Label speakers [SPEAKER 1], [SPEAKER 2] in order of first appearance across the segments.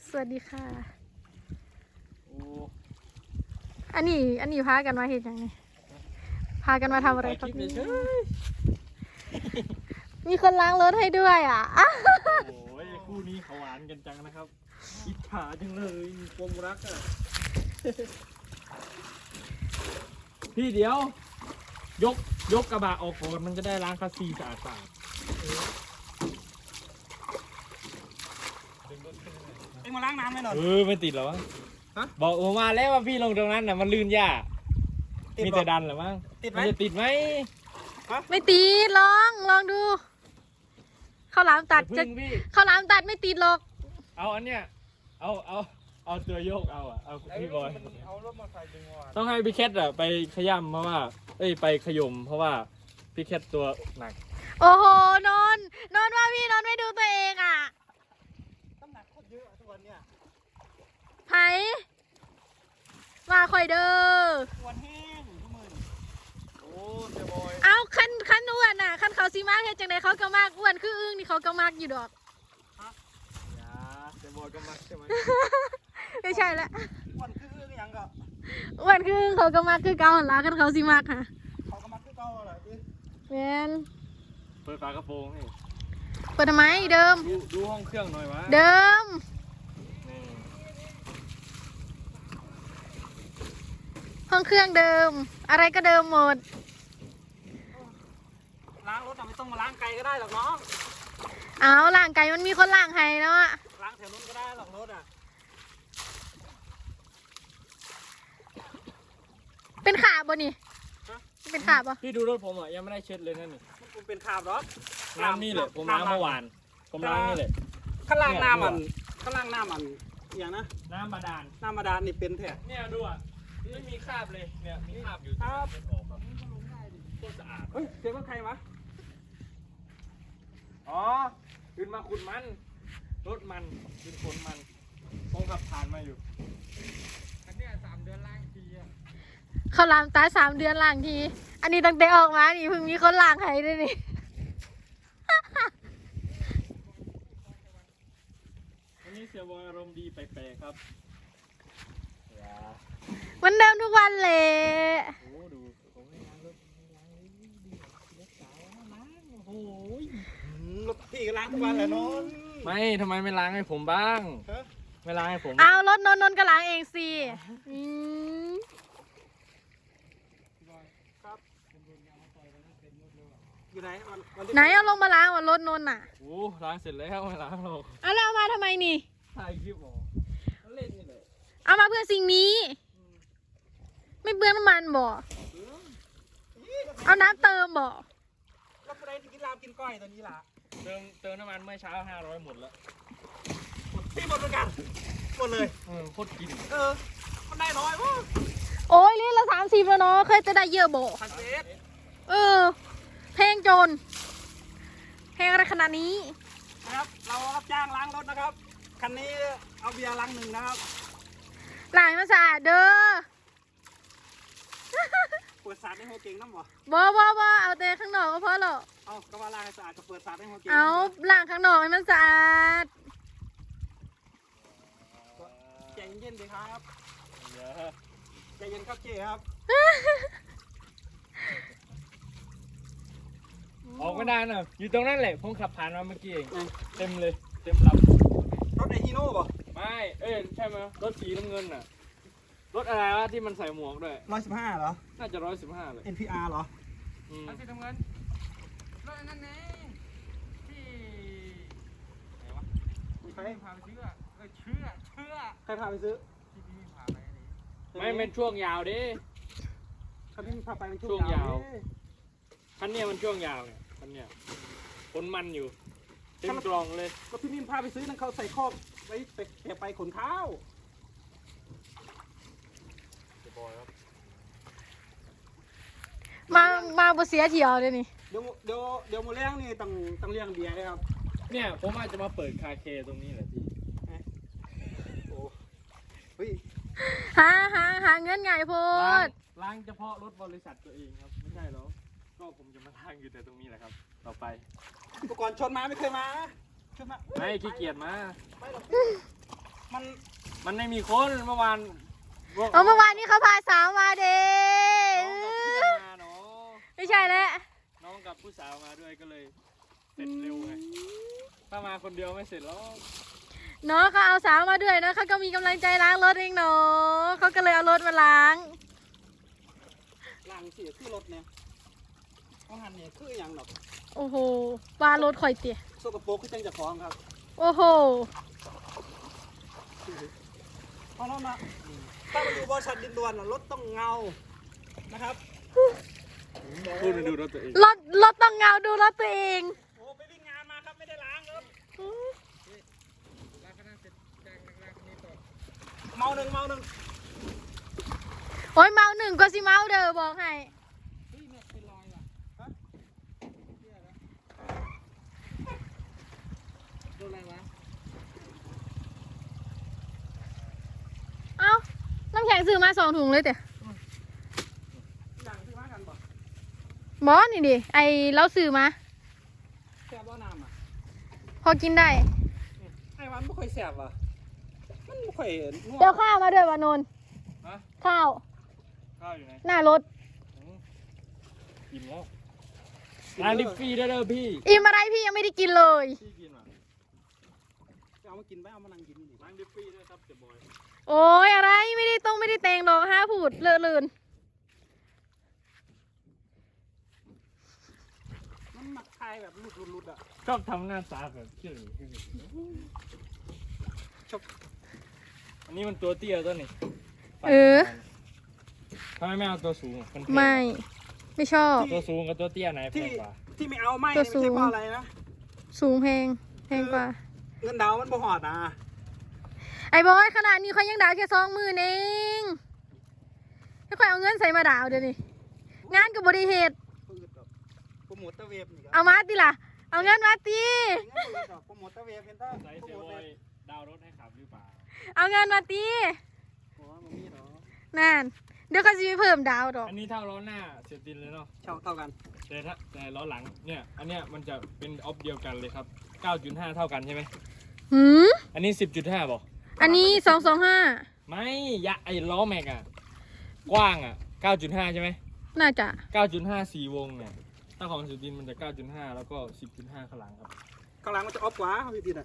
[SPEAKER 1] สวัสดีค่ะ
[SPEAKER 2] โอ้
[SPEAKER 1] อันนี้พากันมาเห็นยังไงพากันมาทำอะไรครับ
[SPEAKER 2] ถ่ายคลิปเฉย
[SPEAKER 1] มีคนล้างรถให้ด้วยอ่ะ
[SPEAKER 2] โอ้ยคู่นี้เขาหวานกันจังนะครับอิจฉาจังเลยมีความรักอ่ะ พี่เดี๋ยว ยกกระบะออกก่อนมันจะได้ล้างคัสซีสะอาด
[SPEAKER 3] เอ็งมาล้างน้ำไหมหน่อย
[SPEAKER 2] ไม่ติดหรอวะ
[SPEAKER 3] ฮะ
[SPEAKER 2] บอกผมมาแล้วว่าพี่ลงตรงนั้นน่ะมันลื่นยาก
[SPEAKER 3] ติด
[SPEAKER 2] มี
[SPEAKER 3] เหรอ
[SPEAKER 2] แต่ดันเหรอมั้ง
[SPEAKER 3] ติดไหม
[SPEAKER 2] มันจะติดไหม
[SPEAKER 1] ไม่ตีดลองดูข้าวหลามตัดจะ
[SPEAKER 2] พึ่งพี่
[SPEAKER 1] ข้าวหลามตัดไม่ติดหรอก
[SPEAKER 2] เอาอันเนี้ยเอาตัวโยกเอาพี่บอย
[SPEAKER 3] เอารถมาใส่ดึงว่ะ
[SPEAKER 2] ต้องให้พี่แคทอะไปขย้ำเพราะว่าไปขยมเพราะว่าพี่แคทตัวหนัก
[SPEAKER 1] โอ้โหนนว่าพี่นนไม่ดูตัวเองอ่ะ
[SPEAKER 3] น้ำหนักโคตรเยอะทุกวันเนี่ย
[SPEAKER 1] ไผมาคอยเด้อ
[SPEAKER 3] วันแห้งทุกมื้อโอ้เสียบอย
[SPEAKER 1] เอาคันอ้วนอ่ะคันเขาซีมากเฮ็ดจังไดเขาก็มากอ้วนคืออึ้งนี่เขาก็มากอยู่ดอก
[SPEAKER 2] อย่าเซบอยก็มักใช่ไหม
[SPEAKER 1] ไม่ใช่ละ
[SPEAKER 3] วันคือยังก็
[SPEAKER 1] อ้วนคืออึ้งเขาก็มากคือเก่าหั่นล่ะคันเขาซีมากค่ะ
[SPEAKER 3] เขาก็มาคือเก่าแหละพี่
[SPEAKER 1] แม่น
[SPEAKER 2] เปิดฝากระโปรงให้
[SPEAKER 1] เปิดทำไมเดิม
[SPEAKER 2] ดูห้องเครื่องหน่อยวะ
[SPEAKER 1] เดิม
[SPEAKER 2] นี่
[SPEAKER 1] ห้องเครื่องเดิม อะไรก็เดิมหมด
[SPEAKER 3] ล้างรถไม่ต้องมาล้างไกลก็ได้หรอกน้อง
[SPEAKER 1] เอาล่างไก่มันมีคนล่างให้แล้วอะ
[SPEAKER 3] ล้างแถวนู้นก็ได้หรอกรถอ่ะ
[SPEAKER 1] เป็นขาบ่นี่เป็นขาบ่
[SPEAKER 2] พี่ดูรถผมอ่ะยังไม่ได้เช็ดเลยนั่นนี่
[SPEAKER 3] มันเป็นขาบหรอ
[SPEAKER 2] น้ำนี่แหละผมล้างเมื่อวานผมล้างนี่แหละ
[SPEAKER 3] ข้างล่างน้ำมันอย่างนะ
[SPEAKER 2] น้ำบาดาล
[SPEAKER 3] น้ำมาดานนี่เป็นแท้
[SPEAKER 2] เนี่ยดูอ่ะไม่มีคราบเลยเนี่ยมีคราบอยู่
[SPEAKER 3] ครับ
[SPEAKER 2] ออกแบบโคตรสะอาด
[SPEAKER 3] เฮ้ยเสียงรถใครวะ
[SPEAKER 2] อ๋อขึ้นมาขุดมันรถมันขึ้นขนมันคงขับผ่านมาอยู่อันเนี้ย3 เดือนล้างทีอ่ะ
[SPEAKER 1] เขาล้างตา3 เดือนล่างที อันนี้ตั้งแต่ออกมานี่เพิ่งมีคนล่างให้ด้วยนี่
[SPEAKER 2] วันนี้เสียบอยอารมณ์ดีแปลกๆครับอย่า
[SPEAKER 1] เหมันเดิมทุกวันเลย
[SPEAKER 2] โอ้ดูผมไม่ล้างรถรถสาวล้างโอ้โห
[SPEAKER 3] รถพี่ก็ล้างทุกวันแหละน้อง
[SPEAKER 2] ไม่ทำไมไม่ล้างให้ผมบ้าง
[SPEAKER 3] ฮะ
[SPEAKER 2] ไม่ล้างให้ผม
[SPEAKER 1] เอารถนนก็ล้างเองสิอืม
[SPEAKER 3] อยู่ไหนวัน
[SPEAKER 1] ไหนเอาลงมาล้างว่ารถนนน่ะ
[SPEAKER 2] โอ้ล้างเสร็จแล้วไม่ล้างหรอก
[SPEAKER 1] เอาแล้วเอามาทำไมนี่
[SPEAKER 2] ถ่ายคลิปหรอเล่นนี่แหละ
[SPEAKER 1] เอามาเพื่อสิ่งนี้ ไม่เบื่อน้ำมันบ่เอาน้ำเติมบ่
[SPEAKER 3] แล้วไปกินลาบกินก้อยตอนนี้ล่ะ
[SPEAKER 2] เติมน้ำมันเมื่อเช้า500หมดแล้ว
[SPEAKER 3] พี่หมดเหมือนกันหมดเลย
[SPEAKER 2] โคตรกิน
[SPEAKER 3] มันได้น้อยวะ
[SPEAKER 1] โอ้ยลิตรละ30แล้วเนาะเคยจะได้เยอะบ่
[SPEAKER 3] พันเศษ
[SPEAKER 1] เออเพลงโจรเพลงอะไรขนาดนี้
[SPEAKER 3] นะครับ เรารับจ้างล้างรถนะครับ คันนี้เอาเบียร์ลัง1นะครับ
[SPEAKER 1] ล้างให้มันสะอาดเด้อ
[SPEAKER 3] เปิดสาดให้หัวเก่งน้ำบ่
[SPEAKER 1] บ่เอาแต่ข้างนอกก็พอหรอก
[SPEAKER 3] เอาก็ว่าล้างให้สะอาดก็เปิดสาดให้หัวเก่ง
[SPEAKER 1] เอาล้างข้างนอกให้มันสะอาด
[SPEAKER 3] ใจเย็นๆดีครับ
[SPEAKER 2] เดี๋ยว
[SPEAKER 3] ใจเย็นครับเจ๊ครับ
[SPEAKER 2] ออกไม่ได้นะอยู่ตรงนั้นแหละผมขับผ่านมาเมื่อกี้เอง
[SPEAKER 3] ไหน
[SPEAKER 2] เต็มเลยเต็มล
[SPEAKER 3] รถไอฮีโน่บ่
[SPEAKER 2] ำไม่ใช่ไหมรถสีน้ำเงินน่ะรถอะไรวะที่มันใส่หมวกด้วย
[SPEAKER 3] 115เหรอ
[SPEAKER 2] น่าจะ115เลย
[SPEAKER 3] NPR เหรอ
[SPEAKER 2] รถสีน้ำเงินรถนั่นไงที่ไหนวะ
[SPEAKER 3] ใคร
[SPEAKER 2] พาไปซื้อเชื่อ
[SPEAKER 3] ใครพาไปซื้อ
[SPEAKER 2] ที่พี่พาไปไม่เป็นช่วงยาวดิ
[SPEAKER 3] ใครพี่พาไปเป็น
[SPEAKER 2] ช่
[SPEAKER 3] ช่
[SPEAKER 2] ว
[SPEAKER 3] ว
[SPEAKER 2] ง
[SPEAKER 3] ง
[SPEAKER 2] ยาย
[SPEAKER 3] าว ว
[SPEAKER 2] คันเนี้ยมันช่วงยาวเนี่ยคันเนี้ยคนมันอยู่เต็มกล่องเลย
[SPEAKER 3] ก็พี่นิ่มพาไปซื้อนั่นเขาใส่คอกไว้ไปขนข้าว
[SPEAKER 1] มาบ่เสียเที่ยวเลยนี่
[SPEAKER 3] เดี๋ยวโมเลี้ยงนี่ต้องเลี้ยงเบียร์เลยครับ
[SPEAKER 2] เนี่ยผมอาจจะมาเปิดคาเคตรงนี้แหละพี่
[SPEAKER 3] โอ้เฮ้ย
[SPEAKER 1] หาเงินไงพูด
[SPEAKER 2] ล้างเฉพาะรถบริษัทตัวเองครับไม่ใช่หรอกก็ผมจะมาล้างอยู่แต่ตรงนี้แหละครับ ต่อไป
[SPEAKER 3] อุปกรณ์ชนมาไม่เคยมาชนมา
[SPEAKER 2] ไม่ขี้เกียจมา
[SPEAKER 3] ไม่หรอกมัน
[SPEAKER 2] มันไม่มีคนเมื่อวาน
[SPEAKER 1] เอาเมื่อวานนี้เขาพาสาวมาเด้
[SPEAKER 2] น้องกับเพื่อนมาเนาะ
[SPEAKER 1] ไม่ใช่แล้ว
[SPEAKER 2] น้องกับผู้สาวมาด้วยก็เลยเสร็จเร็วไงถ้ามาคนเดียวไม่เสร็จแล้ว
[SPEAKER 1] เนาะเขาเอาสาวมาด้วยเนาะเขาก็มีกำลังใจล้างรถเองเนาะเขาก็เลยเอารถมาล้าง
[SPEAKER 3] ล้างเสียคือรถเนี่ยเอาหันเนี่ยคืออย่างดอก
[SPEAKER 1] โอ้โหว่ารถข่อยเตี๋ย
[SPEAKER 3] โซกโปรกคือจังจะฟ้องครับ
[SPEAKER 1] โอ้โห
[SPEAKER 3] เพราะนั้นนะถ้ามาดูบริษัทดินด่วนรถต้องเงานะครับ
[SPEAKER 2] พูดดูรถตัวเอง
[SPEAKER 1] รถต้องเงาดูรถตัวเอง
[SPEAKER 3] โอ้ไปวิ่งงานมาครับไม่ได้ล้างรถเมาหนึ่ง
[SPEAKER 1] โอ้ยเมาหนึ่งก็สิเมาเด้อบอกให้
[SPEAKER 3] เฮ้ยเนี่ยเป็นรอยว่ะฮะโดนอะไรวะ
[SPEAKER 1] เอ้าน้ำแข็งซื้อมา2 ถุงเลยเตี๋ย
[SPEAKER 3] อย่างที่ว่ากันบ่
[SPEAKER 1] บอสนี่ดิไอเราซื้อมา
[SPEAKER 3] แสบบ่น้ำอ่ะ
[SPEAKER 1] พอกินได้
[SPEAKER 3] ไอ้วันไม่ค่อยแสบว่ะมันไม่ค่อยนัว
[SPEAKER 1] เดี๋ยวข้าวมาด้วยวานนท์
[SPEAKER 2] ฮะ
[SPEAKER 1] ข้าว
[SPEAKER 2] ข้าวอยู่ไหน
[SPEAKER 1] หน้ารถ
[SPEAKER 2] อิ่มแล้วร้านดิฟฟี่ได้เด้อพี่
[SPEAKER 1] อิ่มอะไรพี่ยังไม่ได้กินเลย
[SPEAKER 2] พี่กินอ่ะ
[SPEAKER 3] เอามากินไปเอามานั่งกินดิ
[SPEAKER 2] ร้านดิฟฟี่ด้วยครับเจ๊บอย
[SPEAKER 1] โอ้ยอะไรไม่ได้แต่งดอก5 พูดเลอะเลือน
[SPEAKER 3] มันหมักคายแบบหลุดอ่ะ
[SPEAKER 2] ชอบทำหน้าตาแบบเขี้ยวชอบอันนี้มันตัวเตี้ยตัวนี้ ทำไมไม่เอาตัวสูงมันแพง
[SPEAKER 1] ไม่ชอบ
[SPEAKER 2] ตัวสูงกับตัวเตี้ยไหนแพ
[SPEAKER 3] ที่
[SPEAKER 2] งกว่า
[SPEAKER 3] ที่ไม่เอาไม่
[SPEAKER 1] ตัว
[SPEAKER 3] ไม่
[SPEAKER 1] สู
[SPEAKER 3] ใช่
[SPEAKER 1] ง
[SPEAKER 3] เพราะอะไรนะ
[SPEAKER 1] สูงแพงกว่า
[SPEAKER 3] เงินดาวมันบ่หอดนะ
[SPEAKER 1] ไอ้บอยขนาดนี้เขายังดาวแค่20,000เองถ้าใครเอาเงินใส่มาดาวเดี๋ยวนี้งานกับบริเหตุ
[SPEAKER 3] ปืดดอกโปรโมทเตอร์เวฟนี่ครับ
[SPEAKER 1] เอามาติล่ะ เอาเงินมาตี
[SPEAKER 3] ปืดดอกโปรโมทเตอร์เวฟเห็นต้า
[SPEAKER 2] ใส่
[SPEAKER 3] โปร
[SPEAKER 2] เจ๊
[SPEAKER 3] โม
[SPEAKER 2] บ
[SPEAKER 3] ท
[SPEAKER 2] อ
[SPEAKER 3] เลย ย
[SPEAKER 2] ดาวรถให้ขับหรือเปล่า
[SPEAKER 1] เอาเงินมาตี
[SPEAKER 3] โอ้ยมันมีเหรอ
[SPEAKER 1] นั่นเดี๋ยวเขาจะไปเพิ่มดาวดอก
[SPEAKER 2] อันนี้เท่าล้อหน้าเสียตินเลยเนาะ
[SPEAKER 3] เท่ากัน
[SPEAKER 2] แต่ล้อหลังเนี่ยอันเนี้ยมันจะเป็นออฟเดียวกันเลยครับ 9.5 เท่ากันใช่ไหม
[SPEAKER 1] หืม
[SPEAKER 2] อันนี้ 10.5บอก
[SPEAKER 1] อันนี้225
[SPEAKER 2] ไม่ยะไอ้ล้อแม็กอะกว้างอะ9.5 ใช่ไหม
[SPEAKER 1] น่าจะ
[SPEAKER 2] 9.5 4 วงเนี่ยถ้าของสุดินมันจะ 9.5 แล้วก็ 10.5 ข้างหลังครับ
[SPEAKER 3] ข้างหลังมันจะออฟกว่าพี่ดินอ่ะ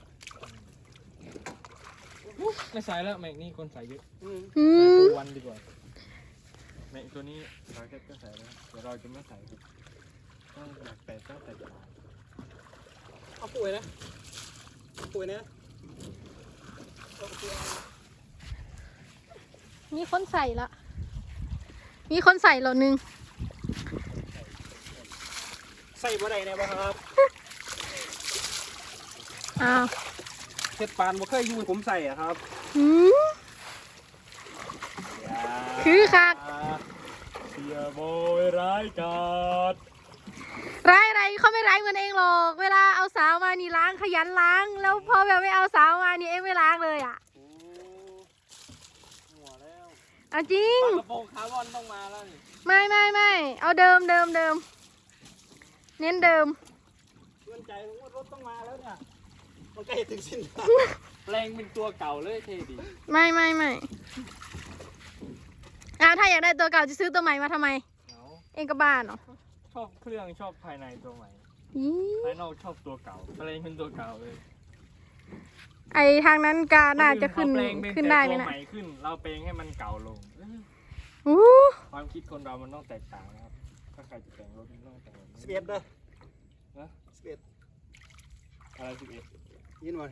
[SPEAKER 2] ไม่ใส่แล้วแม็กนี่คนใส่เยอะ
[SPEAKER 1] อื
[SPEAKER 2] ใส่
[SPEAKER 1] ม
[SPEAKER 2] ตัววันดีกว่าแม็กตัวนี้เราแค่ก็ใส่แล้วเดี๋ยวเราจะไม่ใส่ครับต้องอยากแต่ต้องแต่จะ
[SPEAKER 3] เอาป่วยนะป่วยนะเอาป่วย
[SPEAKER 1] มีคนใส่ละมีคนใส่เหรอนึง
[SPEAKER 3] ใส่บ่ได้แน่บ่ครับ
[SPEAKER 1] อ้าว
[SPEAKER 3] เฮ็ดปานบ่เคยอยู่ผมใส่อ่ะครับ
[SPEAKER 1] หืมคือคัก
[SPEAKER 2] เสียโบยร้ายกาจ
[SPEAKER 1] ร้ายอะไรเขาไม่ร้ายเหมือนเองหรอก เวลาเอาสาวมานี่ล้างขยันล้าง แล้วพอแบบไม่เอาสาวมานี่เองไม่ล้างเลยอ่ะ
[SPEAKER 3] โอ้หัวแล้ว
[SPEAKER 1] เอาจริง
[SPEAKER 2] กระโปรงคาร์บอนต้องมาแล้วนี่
[SPEAKER 1] ไม่เอาเดิมเน้นเดิม
[SPEAKER 3] เงินใจผมว่ารถต้องมาแล้วเนี่ยมันใกล้ถึงสิ้นทาง
[SPEAKER 2] แปลงเป็นตัวเก่าเลยเท่ดี
[SPEAKER 1] ไม่ถ้าอยากได้ตัวเก่าจะซื้อตัวใหม่มาทำไม
[SPEAKER 2] เอา
[SPEAKER 1] เองก็บ้าเนาะ
[SPEAKER 2] ชอบเครื่องชอบภายในตัวใหม่
[SPEAKER 1] อี
[SPEAKER 2] ภายนอกชอบตัวเก่าแปลงเป็นตัวเก่าเลย
[SPEAKER 1] ไอทางนั้นกาน่าจะขึ้น
[SPEAKER 2] เขาแปลงเป็น
[SPEAKER 1] ขึ้น
[SPEAKER 2] แต่
[SPEAKER 1] ได้ไหม
[SPEAKER 2] ตัว
[SPEAKER 1] นะ
[SPEAKER 2] ใหม่ขึ้น เราแปลงให้มันเก่าลง
[SPEAKER 1] อู้
[SPEAKER 2] ความคิดคนเรามันต้องแตกต่างนะครับ ถ้าใครจะแต่งรถมันต้องแต่งแบบนี้
[SPEAKER 3] 11เด้อ
[SPEAKER 2] นะ
[SPEAKER 3] 11
[SPEAKER 2] อะไร11
[SPEAKER 3] ยินบ่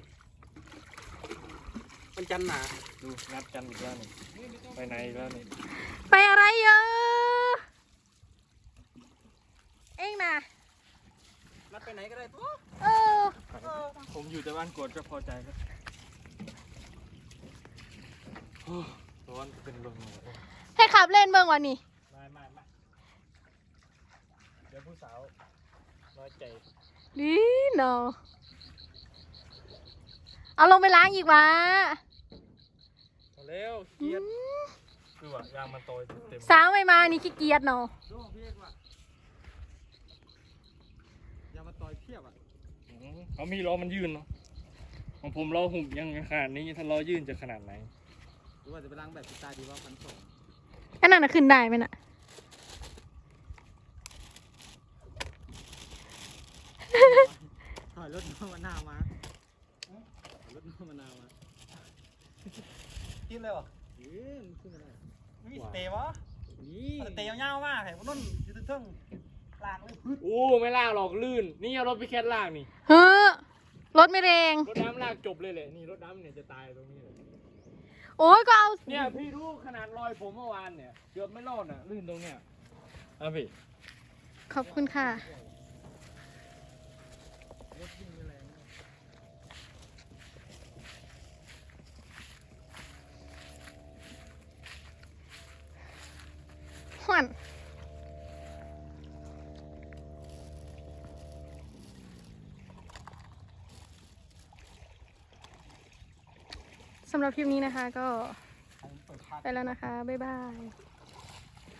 [SPEAKER 3] มันจันหนา
[SPEAKER 2] ดูนัดกันอีกแล้วนี่ไปไหนอีกแล้วนี่
[SPEAKER 1] ไปอะไรเยอะเองนะ
[SPEAKER 3] นัดไปไหนก็ได้ตัว
[SPEAKER 1] เออ
[SPEAKER 2] ผมอยู่แต่บ้านกวดก็พอใจแล้วโอ้ร้อนเป็นลมเลย
[SPEAKER 1] ให้ขับเล่นเบิ่งวันนี้
[SPEAKER 2] ไม่เดี๋ยวผู้สาวน้อยใจ
[SPEAKER 1] ดีเนาะเอาลงไปล้างอีกวะ
[SPEAKER 2] เอาเร็วเกียดคือว่ายางมันโตยเต็ม
[SPEAKER 1] สาวไม่มานี่ขี้เกียจเนาะ
[SPEAKER 3] ดูพี่เอกว่ะอย่ามาต่อยเทียบอ่ะ
[SPEAKER 2] เขามีล้อมันยืนเนาะของผมล้อหุบยังขนาดนี้ถ้าล้อยื่นจะขนาดไหน
[SPEAKER 3] หรือว่าจะไปล้างแบบสไตล์ดีว่า1,200
[SPEAKER 1] อันนั้นน่ะขึ้นได้ไหมน่ะ
[SPEAKER 3] ถอยรถมะนาวมาถอยรถมะนาวมากินเลยวะมันขึ้นมาได้มีสเตย์วะนี่สเตย์ยาวๆมากเห็นพวกนั้นยืนทึ่งลากเลย
[SPEAKER 2] โอ้ไม่ลากหรอกลื่น นี่เอารถไปแค่ลากนี่
[SPEAKER 1] เฮ้อรถไม่แรง
[SPEAKER 2] รถดำลากจบเลยแหละนี่รถดำเนี่ยจะตายตรงนี้เลย
[SPEAKER 1] โอ้ยก็เอา
[SPEAKER 2] เนี่ยพี่รู้ขนาดรอยผมเมื่อวานเนี่ยเกือบไม่รอดอ่ะลื่นตรงเนี้ยอ่ะพี่
[SPEAKER 1] ขอบคุณค่ะ หวนสำหรับคลิปนี้นะคะก็ไปแล้วนะคะ บ๊ายบาย